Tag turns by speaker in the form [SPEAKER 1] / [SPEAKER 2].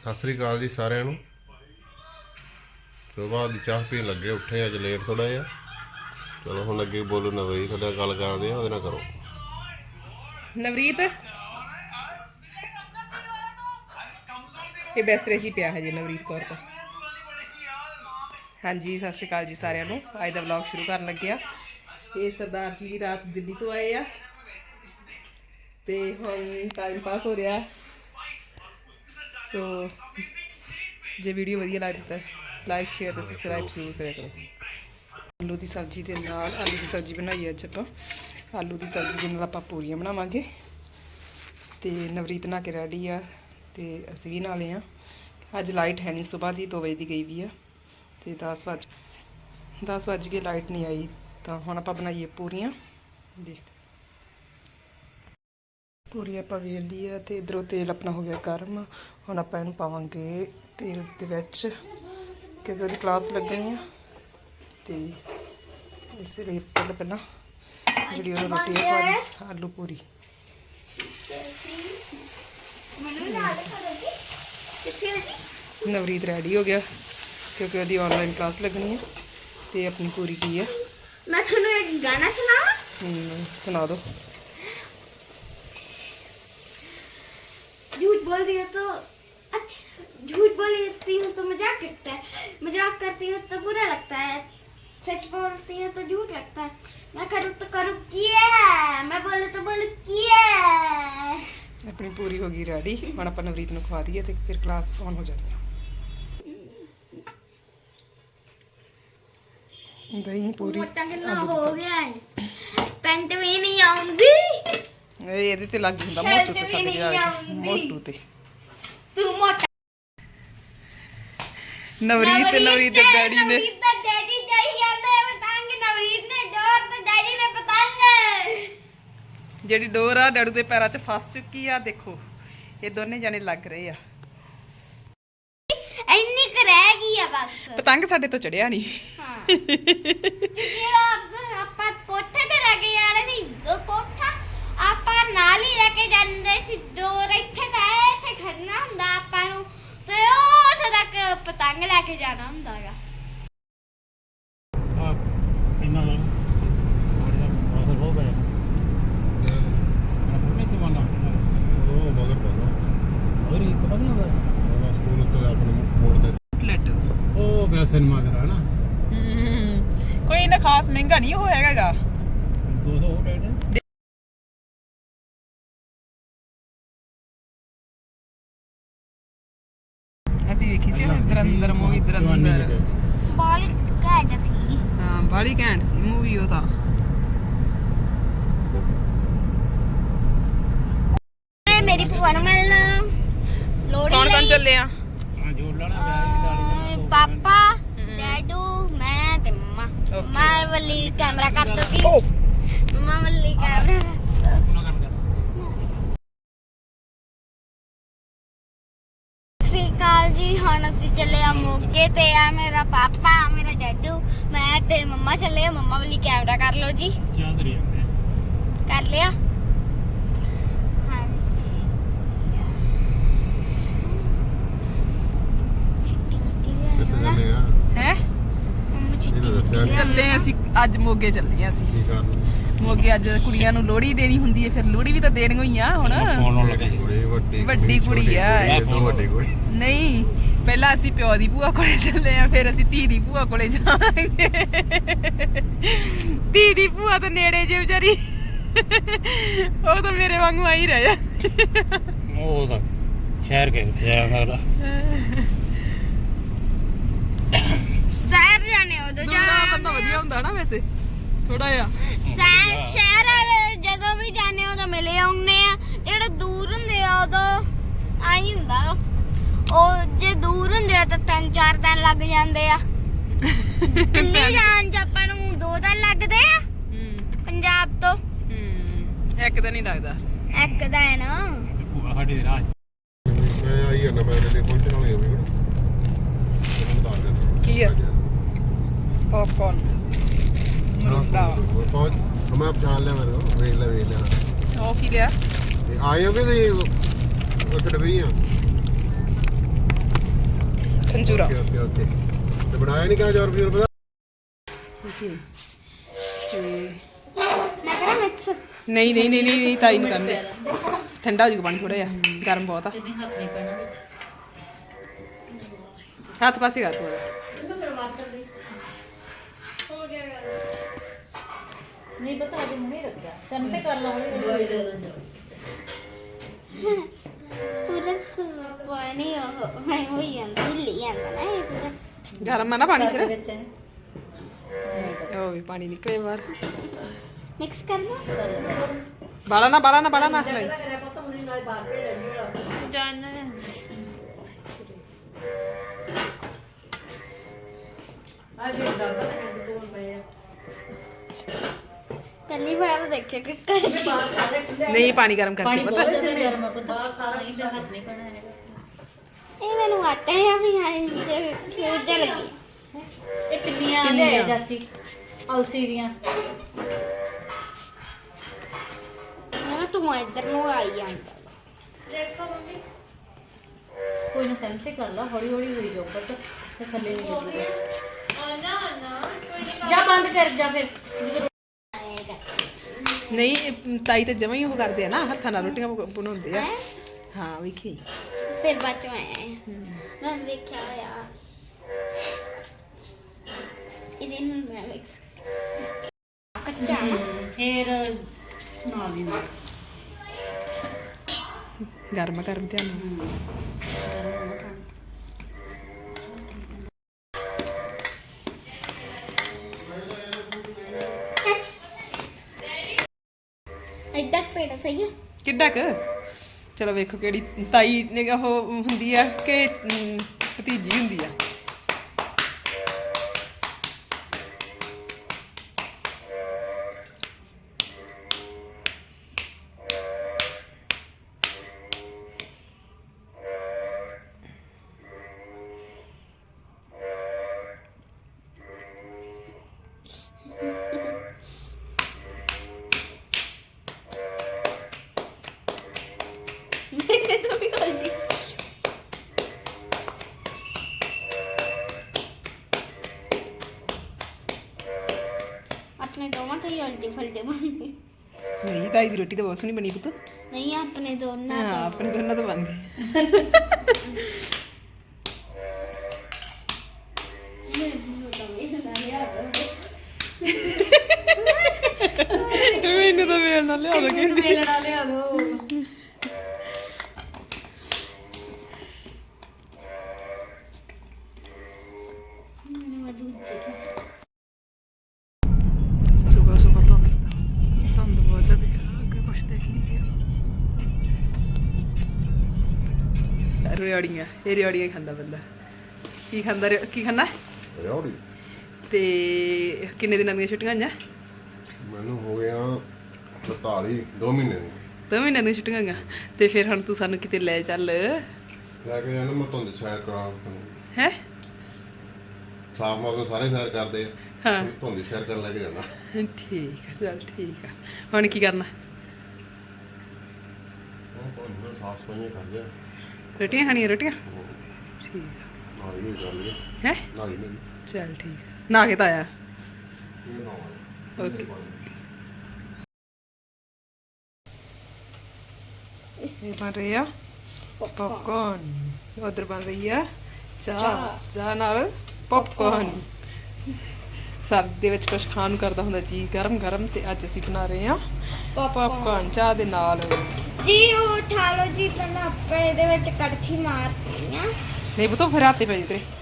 [SPEAKER 1] ਸਤਿ ਸ੍ਰੀ ਅਕਾਲ ਜੀ ਸਾਰਿਆਂ ਨੂੰ। ਸੁਬਾਹ ਦੀ ਚਾਹ ਪੀਣ ਲੱਗੇ, ਉੱਠੇ ਅੱਜ ਲੇਟ ਥੋੜਾ ਜਿਹਾ। ਚਲੋ ਹੁਣ ਅੱਗੇ ਬੋਲੋ ਨਵਰੀਤ, ਤੁਹਾਡਾ ਗੱਲ ਕਰਦੇ ਆ, ਉਹਦੇ ਨਾਲ ਕਰੋ।
[SPEAKER 2] ਨਵਰੀਤ ਇਹ ਬਿਸਤਰੇ 'ਚ ਹੀ ਪਿਆ ਹੈ ਜੀ ਨਵਰੀਤ ਕੌਰ ਤਾਂ। ਹਾਂਜੀ ਸਤਿ ਸ਼੍ਰੀ ਅਕਾਲ ਜੀ ਸਾਰਿਆਂ ਨੂੰ। ਅੱਜ ਦਾ ਵਲੌਗ ਸ਼ੁਰੂ ਕਰਨ ਲੱਗਿਆ। ਇਹ ਸਰਦਾਰ ਜੀ ਰਾਤ ਦਿੱਲੀ ਤੋਂ ਆਏ ਆ ਤੇ ਹੁਣ ਟਾਈਮ ਪਾਸ ਹੋ ਰਿਹਾ। ਸੋ ਜੇ ਵੀਡੀਓ ਵਧੀਆ ਲੱਗਦੀ ਤਾਂ ਲਾਈਕ ਸ਼ੇਅਰ ਤੇ ਸਬਸਕ੍ਰਾਈਬ ਜ਼ਰੂਰ ਕਰਿਆ ਕਰੋ। ਆਲੂ ਦੀ ਸਬਜ਼ੀ ਦੇ ਨਾਲ ਆਲੂ ਦੀ ਸਬਜ਼ੀ ਬਣਾਈ ਅੱਜ ਆਪਾਂ। ਆਲੂ ਦੀ ਸਬਜ਼ੀ ਦੇ ਨਾਲ ਆਪਾਂ ਪੂਰੀਆਂ ਬਣਾਵਾਂਗੇ। ਤੇ ਨਵਰੀਤ ਨਹਾ ਕੇ ਰੈਡੀ ਆ ਤੇ ਅਸੀਂ ਵੀ ਨਾਲੇ ਆ। ਅੱਜ ਲਾਈਟ ਹੈ ਨਹੀਂ, ਸੁਬਾਹ ਦੀ 2 ਵਜੇ ਦੀ ਗਈ ਵੀ ਆ ਤੇ 10 ਵੱਜ ਕੇ ਲਾਈਟ ਨਹੀਂ ਆਈ। ਤਾਂ ਹੁਣ ਆਪਾਂ ਬਣਾਈਏ ਪੂਰੀਆਂ। ਦੇਖਦੇ ਪੂਰੀ ਆਪਾਂ ਵੇਲ ਲਈ ਆ ਤੇ ਇਧਰੋਂ ਤੇਲ ਆਪਣਾ ਹੋ ਗਿਆ ਗਰਮ। ਹੁਣ ਆਪਾਂ ਇਹਨੂੰ ਪਾਵਾਂਗੇ ਤੇਲ ਦੇ ਵਿੱਚ ਕਿਉਂਕਿ ਉਹਦੀ ਕਲਾਸ ਲੱਗਣੀ ਆ ਤੇ ਇਸ ਲਈ ਪਹਿਲਾਂ ਜਿਹੜੀ ਉਹ ਰੋਟੀ ਪਾ ਲਈ ਆਲੂ ਪੂਰੀ। ਨਵਰੀਤ ਰੈਡੀ ਹੋ ਗਿਆ ਕਿਉਂਕਿ ਉਹਦੀ ਆਨਲਾਈਨ ਕਲਾਸ ਲੱਗਣੀ ਹੈ ਤੇ ਆਪਣੀ ਪੂਰੀ ਕੀ ਆ।
[SPEAKER 3] मैं थोड़ा एक गाना सुनाऊं?
[SPEAKER 2] सुना दो।
[SPEAKER 3] झूठ बोल दिया तो अच्छा, झूठ बोलती हूँ तो मजाक लगता है, मजाक करती हूँ तो बुरा लगता है, सच बोलती हूँ तो झूठ लगता है, मैं करूँ तो करूँ किया, मैं बोलूँ तो बोलूँ किया।
[SPEAKER 2] अपनी पूरी होगी रेडी। हम आप नवरीत को खवा दिए तो फिर क्लास ऑन हो जाती है। दही पूरी
[SPEAKER 3] मोटा कितना हो गया है, पैंट भी नहीं आऊंगी।
[SPEAKER 2] ਇਹਦੇ ਤੇ ਲੱਗ ਹੁੰਦਾ ਮੋਟੂ ਤੇ ਸਾਡੇ ਜਾ ਮੋਟੂ ਤੇ
[SPEAKER 3] तू मोटा
[SPEAKER 2] ਨਵਰੀਤ ਤੇ ਨਵਰੀਤ ਦੇ ਡੈਡੀ ਨੇ
[SPEAKER 3] डैडी चाहिए आते पतंग, नवरीत ने डोर तो डैडी ने पतंग।
[SPEAKER 2] ਜਿਹੜੀ ਡੋਰ ਆ ਡੈਡੂ ਦੇ ਪੈਰਾਂ 'ਚ ਫਸ ਚੁੱਕੀ ਆ। ਦੇਖੋ ਇਹ ਦੋਨੇ ਜਾਣੇ ਲੱਗ ਰਹੇ ਆ।
[SPEAKER 3] ਇੰਨੀ ਕੁ ਰਹਿ ਗਈ ਆ ਬਸ।
[SPEAKER 2] ਪਤੰਗ ਸਾਡੇ ਤੋਂ ਚੜਿਆ ਨਹੀਂ।
[SPEAKER 3] ਹਾਂ ਕਿਉਂਕਿ ਆਪਾਂ ਕੋਠੇ ਤੇ ਲੈ ਕੇ ਜਾਣੇ ਸੀ। ਦੋ ਕੋਠਾ ਆਪਾਂ ਨਾਲ ਹੀ ਲੈ ਕੇ ਜਾਂਦੇ ਸੀ। ਡੋਰ ਇੱਥੇ ਤਾਂ ਇੱਥੇ ਖੜਨਾ ਹੁੰਦਾ ਆਪਾਂ ਨੂੰ ਤੇ ਉੱਥੇ ਤੱਕ ਪਤੰਗ ਲੈ ਕੇ ਜਾਣਾ ਹੁੰਦਾ ਹੈਗਾ।
[SPEAKER 4] सिनेमा घर है ना,
[SPEAKER 2] ਕੋਈ ਨਾ ਖਾਸ ਮਹਿੰਗਾ ਨਹੀਂ ਉਹ ਹੈਗਾ।
[SPEAKER 4] 200 रेट
[SPEAKER 2] ਅਸੀਂ ਵੇਖੀ ਸੀ ਦਰੰਦਰ ਮੂਵੀ। ਦਰੰਦਰ
[SPEAKER 3] ਬਾਲੀ ਘੈਂਟ ਸੀ।
[SPEAKER 2] ਹਾਂ ਬਾਲੀ ਘੈਂਟ ਸੀ ਮੂਵੀ ਉਹ ਤਾਂ।
[SPEAKER 3] ਮੇਰੀ ਭੂਆ ਨੂੰ ਮਿਲਣਾ ਲੋੜੀ
[SPEAKER 2] ਕੌਣ ਕੌਣ ਚੱਲੇ ਆ?
[SPEAKER 4] हां जोड़ लाना ब्याह
[SPEAKER 3] ਪਾਪਾ ਡੈਡੂ ਮੈਂ ਤੇ ਮੰਮਾ। ਮੰਮਾ ਵੱਲੀ ਕੈਮਰਾ ਕਰ ਦੋ ਕਿ ਮੰਮਾ ਵੱਲੀ ਕੈਮਰਾ। ਸ੍ਰੀ ਅਕਾਲ ਜੀ। ਹੁਣ ਅਸੀਂ ਚੱਲੇ ਆ ਮੋਗੇ ਤੇ ਆ ਮੇਰਾ ਪਾਪਾ, ਮੇਰਾ ਡੈਡੂ, ਮੈਂ ਤੇ ਮੰਮਾ ਚੱਲੇ ਆ। ਮੰਮਾ ਵੱਲੀ ਕੈਮਰਾ ਕਰ ਲਓ ਜੀ।
[SPEAKER 4] चांद रही है
[SPEAKER 3] ਕਰ ਲਿਆ?
[SPEAKER 1] ਕਿੱਥੇ ਚੱਲੇ ਆ?
[SPEAKER 2] ਹੈ
[SPEAKER 1] ਇਹ ਤਾਂ ਦੱਸਿਆ ਨੀ।
[SPEAKER 2] ਚੱਲੇ ਅਸੀਂ ਅੱਜ ਮੋਗੇ ਚੱਲੇ ਆ ਅਸੀਂ।
[SPEAKER 1] ਕੀ ਕਰਨ?
[SPEAKER 2] ਮੋਗੇ ਅੱਜ ਕੁੜੀਆਂ ਨੂੰ ਲੋਹੜੀ ਦੇਣੀ ਹੁੰਦੀ ਹੈ, ਫਿਰ ਲੋਹੜੀ ਵੀ ਤਾਂ ਦੇਣੀ ਹੋਈ ਆ ਹੁਣ।
[SPEAKER 4] फोन लगा
[SPEAKER 1] ਕੁੜੀ
[SPEAKER 2] ਵੱਡੀ ਕੁੜੀ ਆ।
[SPEAKER 1] ਇਹ ਤੋਂ ਵੱਡੀ ਕੁੜੀ
[SPEAKER 2] ਨਹੀਂ ਪਹਿਲਾਂ ਅਸੀਂ ਪਿਓ ਦੀ ਭੂਆ ਕੋਲੇ ਚੱਲੇ ਆ, ਫਿਰ ਅਸੀਂ ਧੀ ਦੀ ਭੂਆ ਕੋਲੇ ਜਾਵਾਂਗੇ। ਧੀ ਦੀ ਭੂਆ ਤਾਂ ਨੇੜੇ ਜੇ ਵਿਚਾਰੀ, ਉਹ ਤਾਂ ਮੇਰੇ ਵਾਂਗੂ ਆਈ ਰਹਿ ਜਾ।
[SPEAKER 4] ਉਹ ਤਾਂ ਸ਼ਹਿਰ ਕੇ ਸ਼ਹਿਰ ਦਾ
[SPEAKER 3] ਸ਼ਹਿਰ ਜਾਣੇ ਉਦੋਂ
[SPEAKER 2] ਦੂਰਾ ਬੰਦਾ ਵਧੀਆ ਹੁੰਦਾ ਨਾ ਵੈਸੇ ਥੋੜਾ ਜਿਹਾ।
[SPEAKER 3] ਸ਼ਹਿਰ ਵਾਲੇ ਜਦੋਂ ਵੀ ਜਾਣੇ ਉਦੋਂ ਮਿਲੇ ਆਉਂਦੇ ਆ। ਜਿਹੜੇ ਦੂਰ ਹੁੰਦੇ ਆ ਉਦੋਂ ਆਈ ਹੁੰਦਾ। ਉਹ ਜੇ ਦੂਰ ਹੁੰਦੇ ਆ ਤਾਂ 3-4 ਦਿਨ ਲੱਗ ਜਾਂਦੇ ਆ। ਦਿੱਲੀ ਜਾਣ ਚ ਆਪਾਂ ਨੂੰ 2 ਦਿਨ ਲੱਗਦੇ ਆ ਪੰਜਾਬ ਤੋਂ।
[SPEAKER 2] ਇੱਕ ਤਾਂ ਨਹੀਂ ਲੱਗਦਾ।
[SPEAKER 3] ਇੱਕ ਦਿਨ
[SPEAKER 4] ਸਾਡੀ ਰਾਜ
[SPEAKER 1] ਮੈਂ ਆਈ ਨਾ ਮੈਂ ਲਈ ਪਹੁੰਚਣ ਵਾਲੀ ਹੋਵੇ
[SPEAKER 2] ਕੀ ਆ? ਪੌਪਕੌਰਨ
[SPEAKER 1] ਪਹੁੰਚ ਮੈਂ ਪਛਾਣ ਲਿਆ ਮੇਰੇ ਕੋਲ। ਵੇਖ ਲਿਆ
[SPEAKER 2] ਉਹ ਕੀ ਲਿਆ?
[SPEAKER 1] ਆਏ ਹੋਗੇ ਤੁਸੀਂ ਉੱਥੇ ਡਬਈ ਆ।
[SPEAKER 2] ਖੰਜੂਰਾ
[SPEAKER 1] ਓਕੇ ਓਕੇ ਤੇ ਬਣਾਇਆ ਨਹੀਂ ਕਿਆ ਜੋਰ ਪਤਾ
[SPEAKER 2] ਤੇ
[SPEAKER 3] ਮੈਂ ਕਰਾਂ ਮਿਕਸ
[SPEAKER 2] ਨਹੀਂ ਨਹੀਂ ਨਹੀਂ ਨਹੀਂ ਤਾਈ ਨਹੀਂ ਕਰਨੇ ਠੰਡਾ ਹੋ ਜੂਗਾ ਪਾਣੀ ਥੋੜਾ ਜਿਹਾ ਗਰਮ ਬਹੁਤ ਆ ਹੱਥ ਪਾਸੇ ਕਰ ਤੂੰ
[SPEAKER 5] ਨਹੀਂ ਪਤਾ ਅਜੇ ਹੁਣੇ ਰੱਖਿਆ ਸਿਮ ਤੇ ਕਰ ਲਾ ਹੌਲੀ
[SPEAKER 3] ਪੂਰਾ ਪਾਣੀ ਉਹ ਮੈਂ ਹੋਈ ਜਾਂਦਾ ਹਿੱਲੀ ਜਾਂਦਾ ਨਾ ਇਹ ਪੂਰਾ
[SPEAKER 2] ਗਰਮ ਆ ਨਾ ਪਾਣੀ ਫਿਰ
[SPEAKER 5] ਵਿੱਚ ਹੈ
[SPEAKER 2] ਉਹ ਵੀ ਪਾਣੀ ਨਿਕਲੇ ਬਾਹਰ
[SPEAKER 3] ਮਿਕਸ ਕਰਨਾ
[SPEAKER 2] ਬਾਲਾ ਨਾ ਬਾਲਾ ਨਾ ਬਾਲਾ ਨਾ ਲੈ
[SPEAKER 3] ਪਹਿਲੀ ਵਾਰ ਦੇਖਿਆ ਕਿ ਕੜਛੀ
[SPEAKER 2] ਨਹੀਂ ਪਾਣੀ ਗਰਮ ਕਰਕੇ
[SPEAKER 5] ਬਹੁਤ
[SPEAKER 2] ਪਤਾ
[SPEAKER 5] ਜ਼ਿਆਦਾ ਗਰਮ ਆ ਪਤਾ ਨਹੀਂ ਤੇ ਹੱਥ ਨਹੀਂ ਪੈਣਾ ਹੈਗਾ
[SPEAKER 3] ਇਹ ਮੈਨੂੰ ਆਟਾ ਹੈ ਵੀ ਹਾਂ ਕਿਉਂ ਜਲ ਗਈ
[SPEAKER 5] ਇਹ ਪਿੰਨੀਆਂ ਲਿਆਏ ਚਾਚੀ ਅਲਸੀ ਦੀਆਂ
[SPEAKER 3] ਮੈਂ ਤੂੰ ਇੱਧਰ ਨੂੰ ਆਈ ਜਾਂਦਾ
[SPEAKER 5] ਕੋਈ ਨਾ ਸਿਮ ਤੇ ਕਰ ਲਾ ਹੌਲੀ ਹੌਲੀ ਹੋਈ ਜਾਓ ਪਤਾ ਤੇ ਥੱਲੇ ਨਹੀਂ ਲੱਗੂਗਾ ਜਾ ਬੰਦ ਕਰ ਜਾ ਫਿਰ
[SPEAKER 2] ਨਹੀਂ ਇਹ ਤਾਈ ਤੇ ਜਮਾਂ ਹੀ ਉਹ ਕਰਦੇ ਆ ਨਾ ਹੱਥਾਂ ਨਾਲ ਰੋਟੀਆਂ ਬਣਾਉਂਦੇ ਆ ਹਾਂ ਵੇਖੀ
[SPEAKER 3] ਫਿਰ ਬਾਅਦ ਚੋਂ ਆਇਆ ਮੈਂ ਵੇਖਿਆ ਆ ਇਹਦੇ ਨੂੰ ਮੈਂ ਮਿਕਸ ਕੱਚਾ ਨਾ
[SPEAKER 5] ਫਿਰ ਨਾਲ ਦੀ ਨਾਲ
[SPEAKER 2] ਗਰਮ ਗਰਮ ਧਿਆਨ ਨਾਲ
[SPEAKER 3] ਇੱਦਾਂ ਪੇੜਾ ਸਹੀ ਆ
[SPEAKER 2] ਕਿੱਡਾ ਕੁ ਚਲੋ ਵੇਖੋ ਕਿਹੜੀ ਤਾਈ ਨੇ ਉਹ ਹੁੰਦੀ ਆ ਕਿ ਭਤੀਜੀ ਹੁੰਦੀ ਆ
[SPEAKER 3] ਮੇਰੇ ਤੋਂ ਵੀ ਗਲਤੀ ਆਪਣੇ ਦੋਵਾਂ ਤੋਂ ਹੀ ਉਲਟੀ ਫਲਟੀ ਬਣਦੀ
[SPEAKER 2] ਨਹੀਂ ਤਾਈ ਦੀ ਰੋਟੀ ਤਾਂ ਬਹੁਤ ਸੋਹਣੀ ਬਣੀ ਪੁੱਤ
[SPEAKER 3] ਨਹੀਂ ਆਪਣੇ ਦੋਨਾਂ
[SPEAKER 2] ਹਾਂ
[SPEAKER 3] ਤੋਂ
[SPEAKER 2] ਆਪਣੇ ਦੋਨਾਂ ਤੋਂ ਬਣਦੀ ਮੈਨੂੰ ਤਾਂ ਵੇਲ ਨਾਲ ਲਿਆ ਦੋ ਕਹਿੰਦੀ
[SPEAKER 5] ਵੇਲਣਾ ਲਿਆ ਦੋ
[SPEAKER 3] ਮੈਨੂੰ ਦੂਜੀ
[SPEAKER 2] ਸੁਬਹ ਸੁਬਹ ਤੋਂ ਧੁੰਦ ਬਹੁਤ ਜ਼ਿਆਦਾ ਅੱਗੇ ਕੁਛ ਦੇਖ ਨਹੀਂ ਰਿਹਾ ਰਿਆੜੀਆਂ ਇਹ ਰਿਆੜੀਆਂ ਹੀ ਖਾਂਦਾ ਬੰਦਾ ਕੀ ਖਾਂਦਾ ਕੀ ਖਾਂਦਾ
[SPEAKER 1] ਰੌੜੀ
[SPEAKER 2] ਤੇ ਕਿੰਨੇ ਦਿਨਾਂ ਦੀਆਂ ਛੁੱਟੀਆਂ ਆਈਆਂ
[SPEAKER 1] ਮੈਨੂੰ ਹੋ ਗਿਆ 42 2 ਮਹੀਨੇ ਦੀ
[SPEAKER 2] 2 ਮਹੀਨਿਆਂ ਦੀਆਂ ਛੁੱਟੀਆਂ ਆਈਆਂ ਤੇ ਫਿਰ ਹੁਣ ਤੂੰ ਸਾਨੂੰ ਕਿਤੇ ਲੈ ਚੱਲ
[SPEAKER 1] ਲੈ ਕੇ ਜਾਣਾ ਮੈਂ ਤੁਹਾਨੂੰ ਸੈਰ ਕਰਾਂ
[SPEAKER 2] ਹੈ
[SPEAKER 1] ਸਾਫ ਮੌਕੇ ਸਾਰੇ ਸੈਰ ਕਰਦੇ ਆ
[SPEAKER 2] ਹਾਂ
[SPEAKER 1] ਤੁਹਾਨੂੰ ਸੈਰ ਕਰਨ ਲੈ ਕੇ ਜਾਣਾ
[SPEAKER 2] ਠੀਕ ਆ ਚੱਲ ਠੀਕ ਆ ਹੁਣ ਕੀ ਕਰਨਾ
[SPEAKER 1] ਉਹ ਕੋਈ ਸਾਫ ਸਫਾਈਆਂ ਕਰਦੇ ਆ
[SPEAKER 2] ਰੋਟੀਆਂ ਖਾਣੀਆਂ ਰੋਟੀਆਂ ਠੀਕ
[SPEAKER 1] ਨਾਲ ਹੀ ਕਰ ਲਈ
[SPEAKER 2] ਹੈ
[SPEAKER 1] ਨਾਲ ਹੀ ਨਹੀਂ
[SPEAKER 2] ਚੱਲ ਠੀਕ ਨਾ ਕੇ ਤਾਂ ਆਇਆ
[SPEAKER 1] ਇਹ ਨਾ ਹੋਵੇ
[SPEAKER 2] ਓਕੇ ਇਹ ਬਣ ਰਹੀ ਆ ਪੌਪਕਾਰਨ ਉਧਰ ਬਣ ਰਹੀ ਆ ਚਾਹ ਨਾਲ ਪੌਪਕਾਰਨ ਸਰਦੀ ਦੇ ਵਿੱਚ ਕੁਝ ਖਾਣ ਨੂੰ ਕਰਦਾ ਹੁੰਦਾ ਜੀ ਗਰਮ ਗਰਮ ਤੇ ਅੱਜ ਅਸੀਂ ਬਣਾ ਰਹੇ ਆ ਪੌਪਕਾਰਨ ਚਾਹ ਦੇ ਨਾਲ
[SPEAKER 3] ਜੀ ਉਹ ਉਠਾ ਲਓ ਜੀ ਪਹਿਲਾਂ ਆਪਾਂ ਇਹਦੇ ਵਿੱਚ ਕੜਛੀ ਮਾਰਨੀ ਆ
[SPEAKER 2] ਨਹੀਂ ਬਤੋ ਫਿਰ ਹੱਥੇ ਪੈ ਜੇ ਤੇਰੇ